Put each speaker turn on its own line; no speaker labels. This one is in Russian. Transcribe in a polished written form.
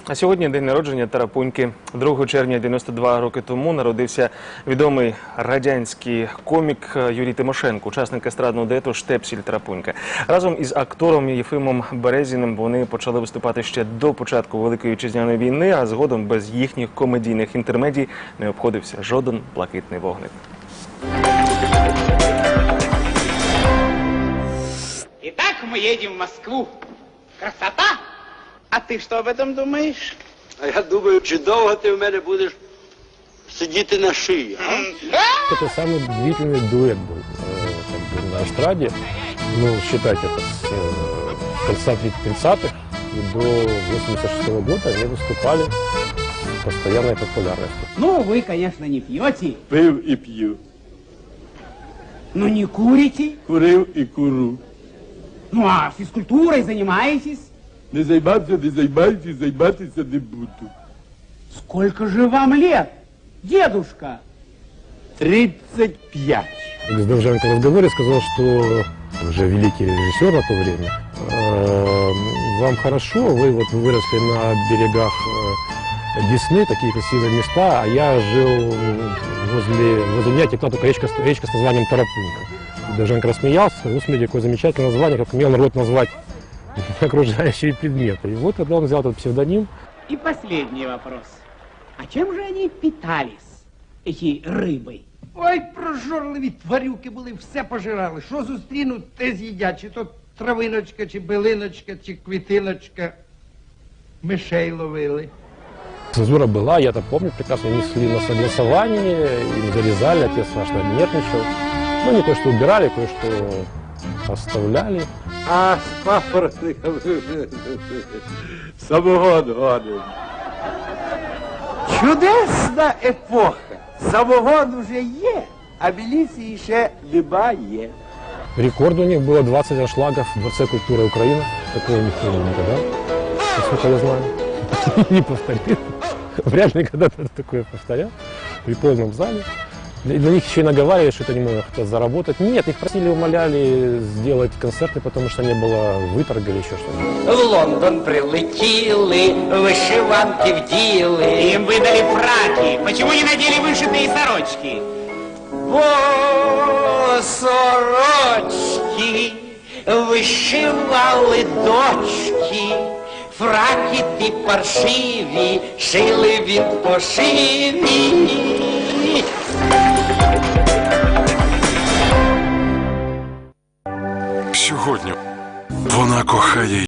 А сьогодні день народження Тарапуньки. 2 червня 92 роки тому народився відомий радянський комік Юрій Тимошенко, учасник естрадного дуету «Штепсель Тарапунька». Разом із актором Єфимом Березіним вони почали виступати ще до початку Великої Вітчизняної війни, а згодом без їхніх комедійних інтермедій не обходився жоден блакитний вогник.
Итак, мы едем в Москву. Красота! А ты что об этом думаешь?
А я думаю, чи довго ти в мене будеш сидіти на шиї, а?
Это самый длительный дуэт был на эстраде. Ну, считайте, это с конца 30-х и до 86-го года они выступали с постоянной популярностью.
Ну, вы, конечно, не пьете,
Пив і п'ю,
но не курите.
курив і куру.
Ну, а физкультурой занимаетесь?
Не займатися не буду.
Сколько же вам лет, дедушка?
35.
С Довженко в разговоре сказал, что уже великий режиссер на то время. Вам хорошо, вы вот выросли на берегах Десны, такие красивые места, а я жил возле меня текла только речка с названием Тарапунька. Довженко рассмеялся, сказал: смотрите, какое замечательное название, как умел народ назвать окружающие предметы. И вот тогда он взял этот псевдоним.
И последний вопрос. А чем же они питались, эти рыбы?
Ой, прожорливі тварюки були, все пожирали. Що зустрінуть, те з'їдять. Чи то травиночка, чи билиночка, чи квітиночка. Мишей ловили.
Цензура была, я это помню прекрасно, они шли на согласование, им зарезали, отец страшно нервничал. Ну, не то, что убирали, кое-что оставляли.
А з папоротниками самогон гоним.
Чудесна епоха. Самогон уже є, а міліції ще немає.
Рекорд у них было 20 аншлагов в Дворце культуры Украины. Такого никто не никогда, насколько я знаю, не повторил. Вряд ли когда-то такое повторял при полном зале. Для них еще и наговаривали, что это не много хотят заработать. Нет, их просили, умоляли сделать концерты, потому что не было выторга или еще что-то.
В Лондон прилетіли, вишиванки вділи.
Им выдали фраки. Почему не надели вышитые сорочки?
Бо сорочки вишивали дочки. Фраки ті паршиві, шили від пошиві.
Сьогодні вона кохає